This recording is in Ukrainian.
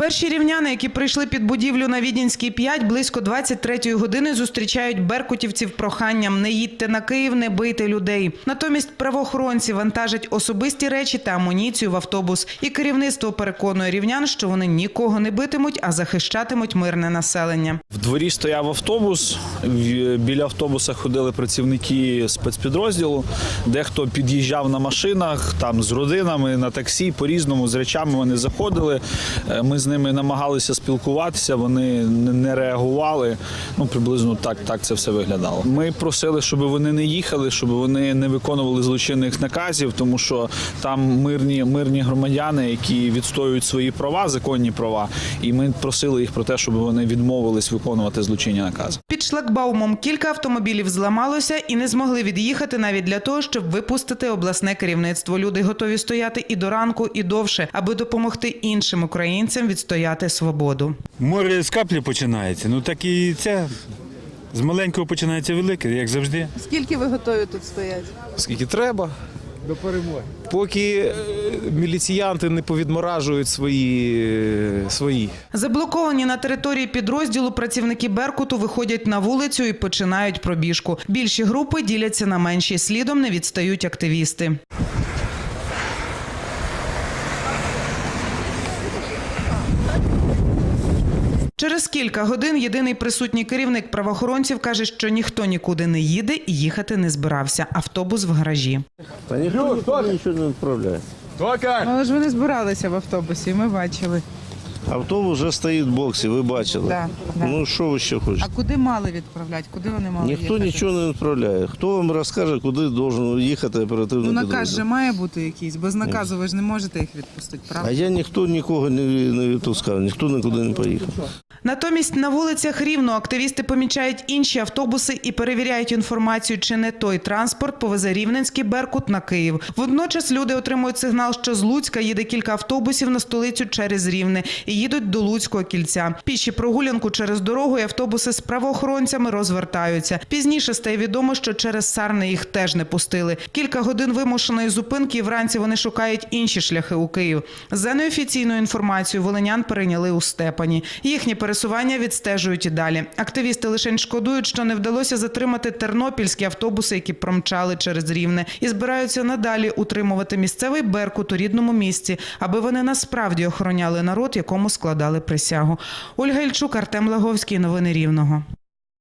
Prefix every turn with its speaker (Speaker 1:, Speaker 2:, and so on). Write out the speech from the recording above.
Speaker 1: Перші рівняни, які прийшли під будівлю на Віденській 5, близько 23-ї години зустрічають беркутівців проханням «Не їдьте на Київ, не бийте людей». Натомість правоохоронці вантажать особисті речі та амуніцію в автобус. І керівництво переконує рівнян, що вони нікого не битимуть, а захищатимуть мирне населення.
Speaker 2: В дворі стояв автобус, біля автобуса ходили працівники спецпідрозділу, дехто під'їжджав на машинах, там з родинами, на таксі, по-різному, з речами вони заходили. Ми з ними намагалися спілкуватися, вони не реагували. Приблизно так це все виглядало. Ми просили, щоб вони не їхали, щоб вони не виконували злочинних наказів, тому що там мирні громадяни, які відстоюють свої права, законні права, і ми просили їх про те, щоб вони відмовились виконувати злочинні накази.
Speaker 1: Під шлагбаумом кілька автомобілів зламалося і не змогли від'їхати навіть для того, щоб випустити обласне керівництво. Люди готові стояти і до ранку, і довше, аби допомогти іншим українцям відстояти свободу.
Speaker 3: Море з каплі починається, так і це. З маленького починається велике, як завжди.
Speaker 4: Скільки ви готові тут стояти?
Speaker 5: Скільки треба. До перемоги. Поки міліціянти не повідморажують свої.
Speaker 1: Заблоковані на території підрозділу працівники «Беркуту» виходять на вулицю і починають пробіжку. Більші групи діляться на менші. Слідом не відстають активісти. Через кілька годин єдиний присутній керівник правоохоронців каже, що ніхто нікуди не їде і їхати не збирався. Автобус в гаражі.
Speaker 6: Та ніхто нічого не відправляє.
Speaker 4: Але ж вони збиралися в автобусі, ми бачили.
Speaker 6: Автобус вже стоїть в боксі, ви бачили.
Speaker 4: Да.
Speaker 6: Що ви ще хочете?
Speaker 4: А куди мали відправляти? Куди вони мали
Speaker 6: Ніхто
Speaker 4: їхати?
Speaker 6: нічого не відправляє. Хто вам розкаже, куди має їхати оперативний
Speaker 4: Наказ
Speaker 6: підрозділ?
Speaker 4: же має бути якийсь. Без наказу ви ж не можете їх відпустити, правда?
Speaker 6: А я нікого не відпускав, ніхто нікуди не поїхав.
Speaker 1: Натомість на вулицях Рівного активісти помічають інші автобуси і перевіряють інформацію, чи не той транспорт повезе рівненський «Беркут» на Київ. Водночас люди отримують сигнал, що з Луцька їде кілька автобусів на столицю через Рівне і їдуть до Луцького кільця. Піші прогулянку через дорогу і автобуси з правоохоронцями розвертаються. Пізніше стає відомо, що через Сарни їх теж не пустили. Кілька годин вимушеної зупинки і вранці вони шукають інші шляхи у Київ. За неофіційною інформацією, волинян перейняли у Степані. Їхні пересування відстежують і далі. Активісти лише шкодують, що не вдалося затримати тернопільські автобуси, які промчали через Рівне, і збираються надалі утримувати місцевий «Беркут» у рідному місці, аби вони насправді охороняли народ, якому складали присягу. Ольга Ільчук, Артем Лаговський. Новини Рівного.